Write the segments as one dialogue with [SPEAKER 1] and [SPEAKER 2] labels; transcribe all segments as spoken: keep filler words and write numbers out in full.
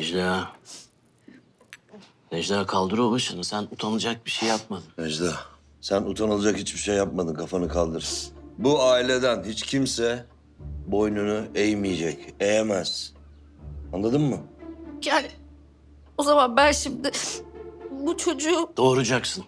[SPEAKER 1] Necla. Necla kaldır o başını. Sen utanılacak bir şey yapmadın.
[SPEAKER 2] Necla, sen utanılacak hiçbir şey yapmadın. Kafanı kaldır. Bu aileden hiç kimse boynunu eğmeyecek, eğemez. Anladın mı?
[SPEAKER 3] Yani o zaman ben şimdi bu çocuğu...
[SPEAKER 1] Doğuracaksın.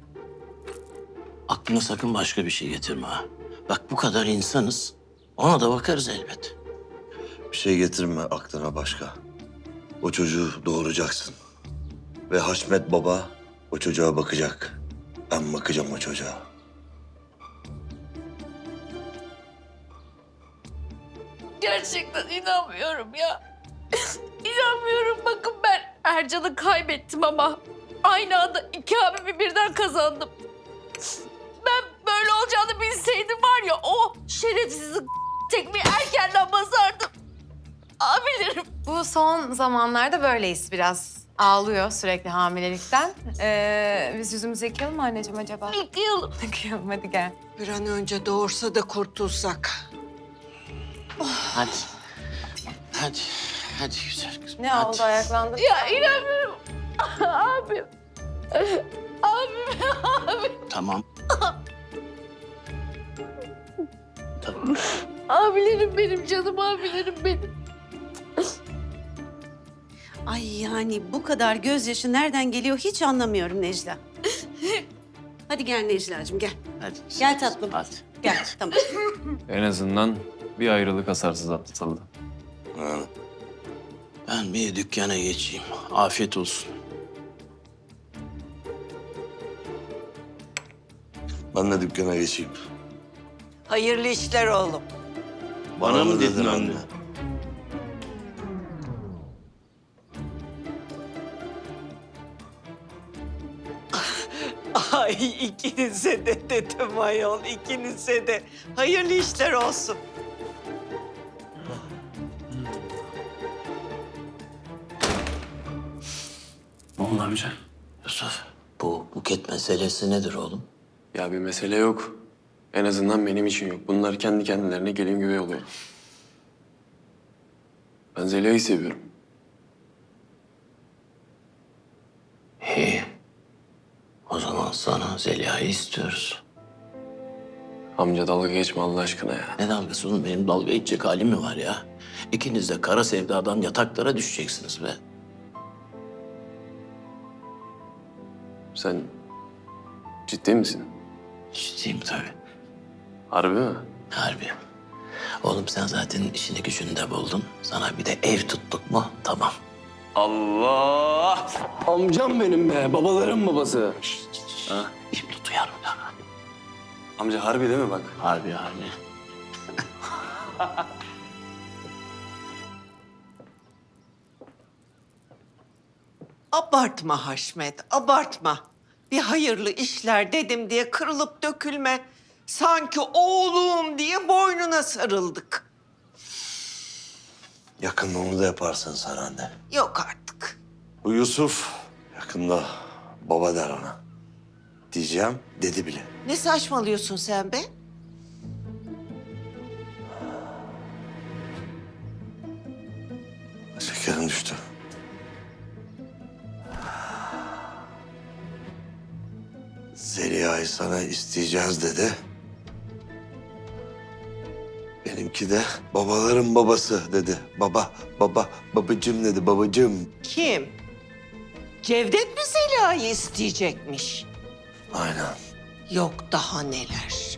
[SPEAKER 1] Aklına sakın başka bir şey getirme ha. Bak bu kadar insanız. Ona da bakarız elbet.
[SPEAKER 2] Bir şey getirme aklına başka. O çocuğu doğuracaksın. Ve Haşmet Baba o çocuğa bakacak. Ben bakacağım o çocuğa.
[SPEAKER 3] Gerçekten inanmıyorum ya. İnanmıyorum. Bakın ben Ercan'ı kaybettim ama aynı anda iki abimi birden kazandım. Ben böyle olacağını bilseydim var ya o şerefsizi tekmeyi erkenden basardım. Abilerim.
[SPEAKER 4] Bu son zamanlarda böyleyiz biraz. Ağlıyor sürekli hamilelikten. Ee, biz yüzümüzü yıkayalım mı anneciğim acaba?
[SPEAKER 3] Yıkayalım.
[SPEAKER 4] Yıkayalım hadi gel.
[SPEAKER 5] Bir an önce doğursa da kurtulsak.
[SPEAKER 1] Hadi. Hadi. Hadi güzel kızım.
[SPEAKER 4] Ne
[SPEAKER 1] hadi.
[SPEAKER 4] oldu ayaklandın?
[SPEAKER 3] Ya inanmıyorum. Abim. Abim, abim.
[SPEAKER 1] Tamam. Tamam.
[SPEAKER 3] Abilerim benim, canım abilerim benim.
[SPEAKER 6] Ay yani bu kadar gözyaşı nereden geliyor hiç anlamıyorum Necla. Hadi gel Necla'cığım gel.
[SPEAKER 1] Hadi.
[SPEAKER 6] Gel tatlım.
[SPEAKER 1] Hadi.
[SPEAKER 6] Gel tamam.
[SPEAKER 7] En azından bir ayrılık hasarsız atlatıldı.
[SPEAKER 2] Ha.
[SPEAKER 1] Ben bir dükkana geçeyim. Afiyet olsun.
[SPEAKER 2] Ben de dükkana geçeyim.
[SPEAKER 5] Hayırlı işler oğlum.
[SPEAKER 1] Bana mı dedin anne?
[SPEAKER 5] Ay ikinize de dedim ayol, ikinize de. Hayırlı işler olsun.
[SPEAKER 1] Ne oldu amca? Yusuf, bu buket meselesi nedir oğlum?
[SPEAKER 7] Ya bir mesele yok. En azından benim için yok. Bunlar kendi kendilerine gelin güvey oluyor. Ben Zeliha'yı seviyorum.
[SPEAKER 1] İyi. O zaman sana Zeliha'yı istiyoruz.
[SPEAKER 7] Amca dalga geçme Allah aşkına ya.
[SPEAKER 1] Ne dalgası oğlum? Benim dalga geçecek halim mi var ya? İkiniz de kara sevdadan yataklara düşeceksiniz be.
[SPEAKER 7] Sen ciddi misin?
[SPEAKER 1] Ciddiyim tabii.
[SPEAKER 7] Harbi mi?
[SPEAKER 1] Harbi. Oğlum sen zaten işini gücünü de buldun. Sana bir de ev tuttuk mu tamam.
[SPEAKER 7] Allah! Amcam benim be, babaların babası. Ha?
[SPEAKER 1] Şimdi duyarım ya.
[SPEAKER 7] Amca harbi değil mi bak?
[SPEAKER 1] Harbi harbi.
[SPEAKER 5] Abartma Haşmet, abartma. Bir hayırlı işler dedim diye kırılıp dökülme. Sanki oğlum diye boynuna sarıldık.
[SPEAKER 2] Yakında onu da yaparsın sen anne.
[SPEAKER 5] Yok artık.
[SPEAKER 2] Bu Yusuf yakında baba der ona. Diyeceğim, dedi bile.
[SPEAKER 5] Ne saçmalıyorsun sen be?
[SPEAKER 2] Şekerin düştü. Zeliha'yı sana isteyeceğiz dedi. Benimki de babaların babası dedi. Baba, baba, babacığım dedi, babacığım.
[SPEAKER 5] Kim? Cevdet mi Zeliha'yı isteyecekmiş?
[SPEAKER 2] Aynen.
[SPEAKER 5] Yok daha neler.